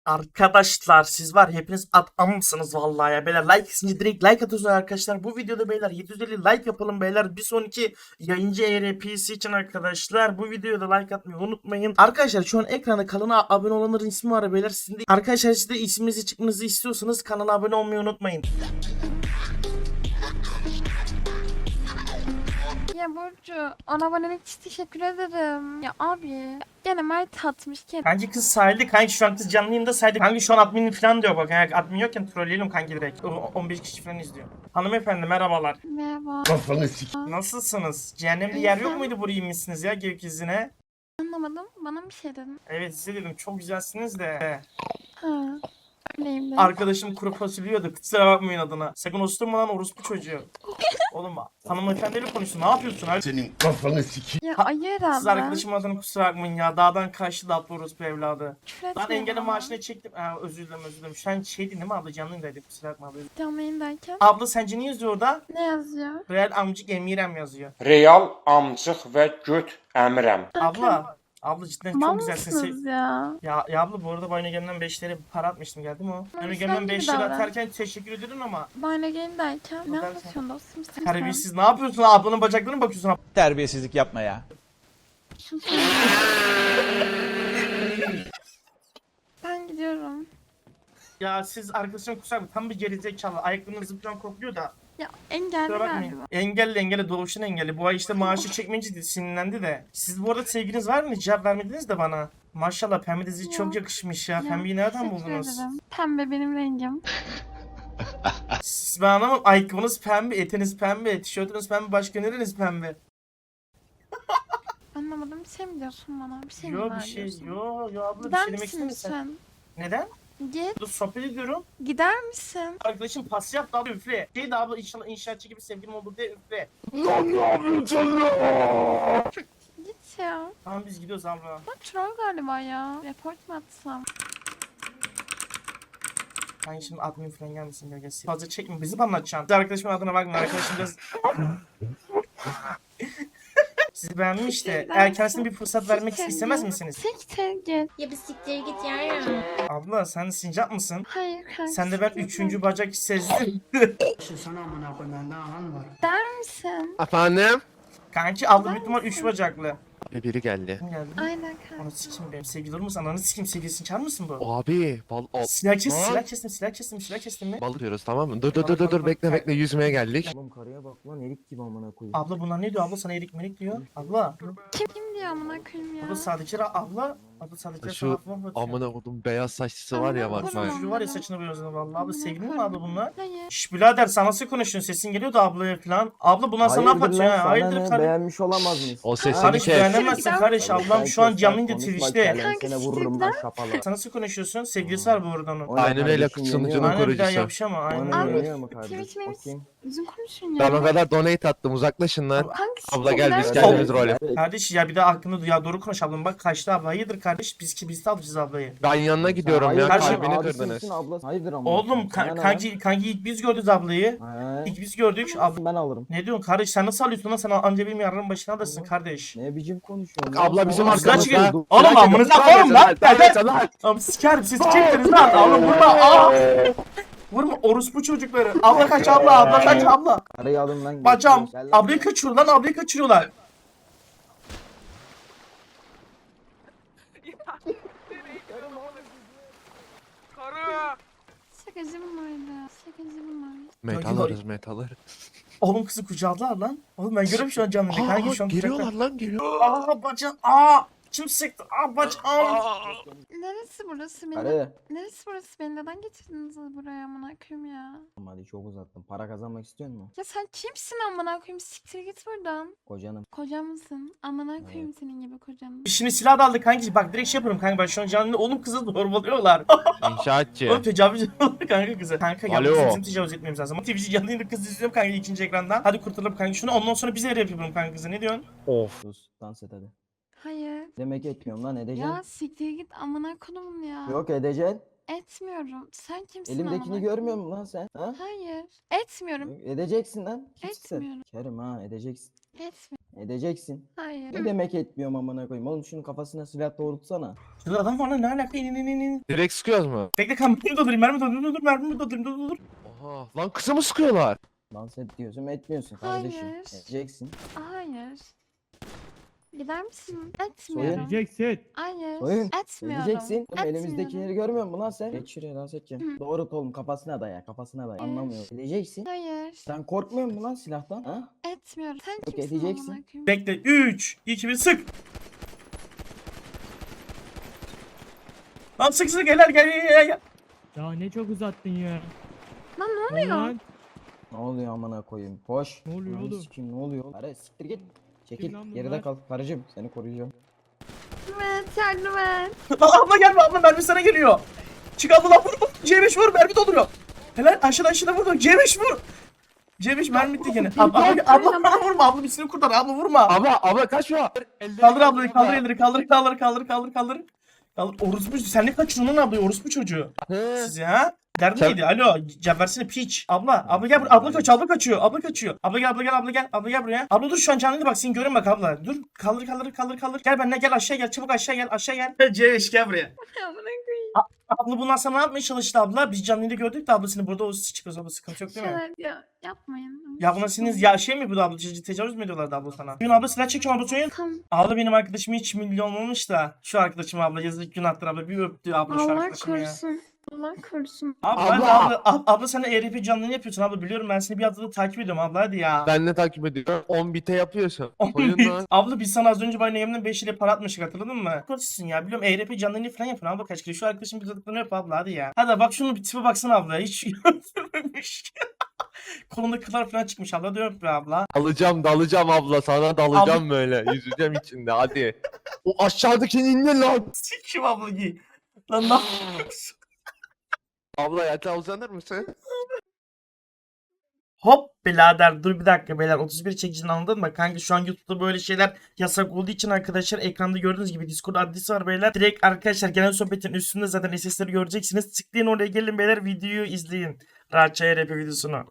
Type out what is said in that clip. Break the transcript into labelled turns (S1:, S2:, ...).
S1: Arkadaşlar siz var hepiniz adamsınız vallahi ya beyler, like isince direkt like atıyorsunuz arkadaşlar. Bu videoda beyler 750 like yapalım beyler, bir sonraki yayıncı ERP'si için arkadaşlar. Bu videoya da like atmayı unutmayın arkadaşlar. Şu an ekranda kanala abone olanların ismi var beyler, sizin de arkadaşlar, siz de isminizi çıkmanızı istiyorsanız kanala abone olmayı unutmayın.
S2: Ya Burcu, ona abonelik için teşekkür ederim. Ya abi, gene Mert atmış ki.
S1: Kanki kız sahilde, kanki şu an kız canlı yayında sahilde. Kanki şu an admin falan diyor bak. Yani admin yokken trolleyelim kanki direkt. 15 kişi falan izliyor. Hanımefendi merhabalar.
S2: Merhaba.
S1: Nasılsınız? Cehennemde yer yok muydu, buraya inmişsiniz ya gökyüzüne?
S2: Anlamadım, bana bir şey dedin.
S1: Evet size dedim, çok güzelsiniz de.
S2: Ha, öyleyim de.
S1: Arkadaşım kuru fasulye yiyordu, kusura bakmayın adına. Sakın osturma lan orospu çocuğu. Oğlum hanımefendiyle konuşsun, ne yapıyorsun abi?
S3: Senin kafanı sikeyim.
S2: Ya hayır
S1: Siz
S2: abla.
S1: arkadaşım adına kusura bakmayın ya. Dağdan kaçtı da atlı orospu evladı.
S2: Küfür
S1: Ben
S2: etme
S1: engelli
S2: bana.
S1: maaşını çektim. Özür dilerim. Şu an şeydi değil mi abla, canlıydı, kusura bakma abla.
S2: Canlı yayındayken.
S1: Abla sence ne yazıyor orada?
S2: Ne yazıyor?
S1: Real amcık emirem yazıyor.
S4: Real amcıq və göt əmirəm.
S1: Abla cidden
S2: Mal
S1: çok güzelsin.
S2: mısınız ya?
S1: Ya abla, bu arada Bayna Gem'den 5 lira para atmıştım, geldi mi o?
S2: Ama
S1: Bayna
S2: sen
S1: Gem'den
S2: gibi
S1: 5 lira
S2: davran.
S1: atarken teşekkür ederim ama.
S2: Bana yayındayken. Ne
S1: Buradan
S2: anlatıyorsun dostum sen?
S1: Terbiyesiz, ne yapıyorsun? Ablanın bacaklarına mı bakıyorsun?
S5: Terbiyesizlik yapma ya.
S2: Ben gidiyorum.
S1: Ya siz arkadaşım kusura bakmayın, tam bir gerizekalı. Ayaklarını zıplayan kokluyor da.
S2: Ya engelli
S1: Kusura bakmayın.
S2: galiba.
S1: Engelli doğuşun engelli. Bu ay işte maaşı çekmeyince sinirlendi de. Siz bu arada sevginiz var mı? Cevap vermediniz de bana. Maşallah pembe dizi
S2: Ya.
S1: çok yakışmış ya.
S2: Ya,
S1: Pembeyi nereden
S2: teşekkür
S1: buldunuz?
S2: ederim. Pembe benim rengim.
S1: Siz ben anlamam. Ayakkabınız pembe, etiniz pembe, tişörtünüz pembe, başka nereniz pembe?
S2: Anlamadım, bir şey mi diyorsun bana? Bir şey mi
S1: Yo
S2: var
S1: bir şey,
S2: diyorsun?
S1: yo abla bir
S2: Gider
S1: şey demek
S2: misin
S1: istemiyorsun.
S2: lütfen?
S1: Neden?
S2: Git.
S1: Dur sohbet ediyorum.
S2: Gider misin?
S1: Arkadaşım pas yaptı abla, üfle. Şey de abla, inşallah inşaatçı gibi sevgilim olur diye üfle.
S2: Git ya.
S1: Tamam biz gidiyoruz abla.
S2: Bak troll galiba ya. Report mu atsam?
S1: Ben şimdi admin falan gelmesin gölgesi. Fazla çekme, bizi mi anlatacaksın? Siz arkadaşımın adına bakmayın, arkadaşım biraz... Sizi beğenmiş de eğer kendisine bir fırsat vermek istemez misiniz?
S2: Siktir git.
S6: Ya bir siktir git ya.
S1: Abla sen sincap mısın?
S2: Hayır kanka.
S1: Sen de ben
S2: siktir
S1: üçüncü
S2: git.
S1: bacak sezdim.
S2: Der misin?
S7: Efendim?
S1: Kanki abla büyük ihtimal 3 bacaklı.
S7: Biri geldi.
S1: Kim geldi?
S2: Aynen kanka.
S1: Onu sikim benim sevgili olur musun? Ananı sikim, sevgilisini çağır mısın bu?
S7: Abi
S1: Silah kestim,
S7: Lan.
S1: silah kestim mi?
S7: balık diyoruz tamam mı? Dur bekle yüzmeye geldik.
S8: Oğlum karıya bak lan, erik gibi amına koyayım.
S1: Abla bunlar ne diyor? Abla sana erik merik diyor. Abla.
S2: Kim diyor amına koyayım ya?
S1: Abla sadece abla. Abla sadece
S7: Şu
S1: sana bakıyor.
S7: amına kodum beyaz saçlısı var ya
S2: Amına
S7: bak
S2: kodum.
S7: bak.
S1: Şu var ya saçını boyuyorsun vallahi. Abla sevgilin mi abla bunlar?
S2: Hayır.
S1: Şş birader, sen nasıl konuşuyorsun? Sesin geliyor da ablaya falan. Abla bunlar sana ne
S8: Hayırdır
S1: yapacak
S8: lan,
S1: ya?
S8: sana
S1: Hayırdır
S8: ne,
S1: kardeş?
S8: beğenmiş olamaz mıyız?
S7: O sesini
S1: Kardeş
S7: kes.
S1: beğenemezsin kardeş.
S2: Sen
S1: Ablam şu an canlıydı
S8: Konuşma,
S1: Twitch'te.
S8: kelen
S2: Kanka,
S8: seni vururum ben şapalı.
S1: Sen nasıl konuşuyorsun? Sevgilisi var bu arada onun.
S8: O ne
S7: Aynen öyle,
S8: kardeşim,
S7: sunucunun
S8: yeniyor mu?
S1: Aynen bir daha
S7: kurucusu.
S1: yapışama. Aynen
S8: Aynen
S2: Abi,
S1: öyle.
S8: yeniyor mu kardeş?
S2: Twitch benim
S8: Bakayım.
S2: üzüm konuşun ya.
S7: Ben o kadar donate attım uzaklaşın lan.
S2: Kanka,
S7: Abla gel biz
S2: siktir
S7: kendimiz
S2: lan.
S7: rol yap.
S1: Kardeş ya bir de aklını ya, doğru konuş ablam, bak kaçtı abla. Hayırdır kardeş, biz de alacağız ablayı.
S7: Ben yanına gidiyorum ya
S1: Kardeşim,
S7: kalbini
S8: abisi
S7: kırdınız.
S8: misin, ablası? Hayırdır amına
S1: Oğlum
S8: koyayım, sana ne lan?
S1: kanki ilk biz gördük ablayı.
S8: He.
S1: İlk biz gördük. Abla
S8: Ben alırım.
S1: ne diyorsun kardeş, sen nasıl alıyorsun lan, sen anca benim yarının başına alırsın kardeş.
S8: Ne biçim konuşuyorsun?
S7: Abla bizim
S1: Oğlum, silah
S7: arkamızda.
S1: çıkıyor. Oğlum amınıza koyun lan. Oğlum sikerim, siz çektiniz lan. Oğlum vurma. Vurma orospu çocukları. Abla kaç abla kaç abla.
S8: Karıyı alın lan.
S1: Bacağım.
S8: Gel lan.
S1: Ablayı kaçırıyor lan, ablayı kaçırıyorlar.
S2: Şakacı bunlardı. Şakacı bunlar.
S7: Metal alırız metal alırız.
S1: Oğlum kızı kucağılar lan. Oğlum ben görüyorum şu an canlı. Kanki şu an
S7: Geliyorlar
S1: kucaklar.
S7: lan geliyor.
S1: Bacağım. Kim sıktı? Bacağım.
S2: Neresi burası benim?
S8: Karı.
S2: Neresi burası beni? Neden getirdiniz buraya amına koyayım ya?
S8: Hadi çok uzattım. Para kazanmak istiyor musun?
S2: Ya sen kimsin amına koyayım? Siktir git buradan.
S8: Kocanım.
S2: Kocam mısın? Amına koyayım senin gibi kocanı.
S1: Şimdi silah da aldık kanki. Bak direkt şey yapıyorum kanka. Ben şu an canlı. Oğlum kızı zorbalıyorlar.
S7: İnşaatçı.
S1: Oğlum tecavüz ediyorlar kanka kıza. Kanka
S7: Alo.
S1: yalnız bizim tecavüz etmemiz lazım. Twitch'i canlı yayında kız izliyorum kanka ikinci ekrandan. Hadi kurtulalım kanka şunu. Ondan sonra bize yapıyorum kanka kızı. Ne diyorsun?
S7: Of.
S8: Sus dans et hadi.
S2: Hayır.
S8: Demek etmiyorum lan, edeceksin.
S2: Ya siktir git amına koyayım ya.
S8: Yok edeceksin.
S2: Etmiyorum. Sen kimsin
S8: Elimdekini
S2: amına
S8: görmüyor
S2: koyayım?
S8: musun lan sen? Ha?
S2: Hayır. Etmiyorum.
S8: Edeceksin lan. Kimsin sen?
S2: Etmiyorum.
S8: Kerim ha, edeceksin.
S2: Etmiyorum.
S8: Edeceksin.
S2: Hayır.
S8: Ne demek etmiyorum amına koyayım. Oğlum şunun kafasına silah doğrultsana.
S1: Şurada adam var lan, ne alaka? İn.
S7: Direkt sıkıyoruz mu?
S1: Bekle kan, mermi doldurayım, mermi doldurayım, dur.
S7: Oha. Lan kısa mı sıkıyorlar?
S8: Dans et diyorsun etmiyorsun kardeşim.
S2: Hayır.
S8: Edeceksin.
S2: Hayır. Gider misin? Etmiyorum.
S3: Edeceksin.
S2: Hayır.
S8: Soyun.
S2: Etmiyorum.
S8: Edeceksin. Oğlum
S2: Etmiyorum.
S8: elimizdekileri görmüyor musun lan sen? Geç şuraya dans edeceğim. Doğrult oğlum kafasına daya kafasına daya. Anlamıyor. Edeceksin.
S2: Hayır.
S8: Sen korkmuyor musun lan silahtan? Ha?
S2: Etmiyorum. Sen
S8: Yok,
S2: kimsin
S8: edeceksin.
S2: amına koyayım?
S1: Bekle, 3, 2, 1, sık. Lan sık gel.
S3: Ya ne çok uzattın ya.
S2: Lan ne
S3: Ne
S2: oluyor?
S3: lan?
S8: Ne oluyor amına koyayım? Koş.
S3: Ne oluyor
S8: Ananı
S3: oğlum?
S8: sikeyim, ne oluyor? Ara siktir git. Çekil.
S3: Kim lan bunlar?
S8: Geride kal. Karıcığım seni koruyacağım.
S2: Yardım et.
S1: Lan abla gelme, abla mermi sana geliyor. Çık abla lan, vur. C5 vur, mermi dolduruyor. Helal, aşağıda vur. C5 vur. C5 mermi bitti gene. Abla vurma, abla birisini kurtar, abla vurma.
S7: Abla kaçma.
S1: Kaldır ablayı, kaldır elleri, kaldır. Kaldır. Orospu, sen ne kaçıyorsun lan ablayı, orospu çocuğu.
S7: He.
S1: Siz ya. Derdin
S7: Sen-
S1: neydi? Alo, cevap versene piç. Abla gel buraya. Abla kaçıyor. Abla gel buraya. Abla dur, şu an canlıydı, bak seni görüyorum bak abla. Dur, kaldır. Gel benimle, gel aşağı gel, çabuk aşağı gel. C5 gel buraya.
S2: Amına koyayım.
S1: Abla bundan sonra ne yapmaya çalıştı abla? Biz canlıydı gördük de abla seni burada o çıkıyoruz abla, sıkıntı yok değil mi?
S2: Şeyler ya yapmayın.
S1: Ya buna senin ya şey mi bu abla, tecavüz mü ediyorlardı abla sana? Bugün abla silah çekiyor abla söyle.
S2: Tamam.
S1: Abla benim arkadaşım hiç milyon olmuş da şu arkadaşım abla yazık günahtır abla, bir öptü abla şu
S2: Allah
S1: arkadaşım ya.
S2: korusun. Allah korusun.
S1: Abla sen de ERP canlılığını yapıyorsun abla, biliyorum ben seni bir haftadır takip ediyorum abla, hadi ya.
S7: Ben de takip ediyorum. 10 bite yapıyorsun. Soyun lan.
S1: Abla biz sana az önce bana yemden 5 ile para atmıştık, hatırladın mı? Koçsun ya, biliyorum ERP canlılığını falan yapın abla kaç kere. Şu arkadaşın bir dadıklarını yap abla, hadi ya. Hadi bak şunu bir tipe baksana abla, hiç öldürmemiş. Kolunda kıllar falan çıkmış abla, da öp be abla.
S7: Dalacağım abla, sana dalacağım böyle. Yüzeceğim içinde hadi. O aşağıdakini indir lan.
S1: Sikim abla giy. Lan ne yapıyorsun?
S7: Abla yatağa uzanır mısın?
S1: Hop birader, dur bir dakika beyler, 31 çekicini anladın mı? Kanka şu an YouTube'da böyle şeyler yasak olduğu için arkadaşlar, ekranda gördüğünüz gibi Discord adresi var beyler. Direkt arkadaşlar genel sohbetin üstünde zaten SS'leri göreceksiniz. Tıklayın oraya, gelin beyler, videoyu izleyin. Rahatça ERP videosunu.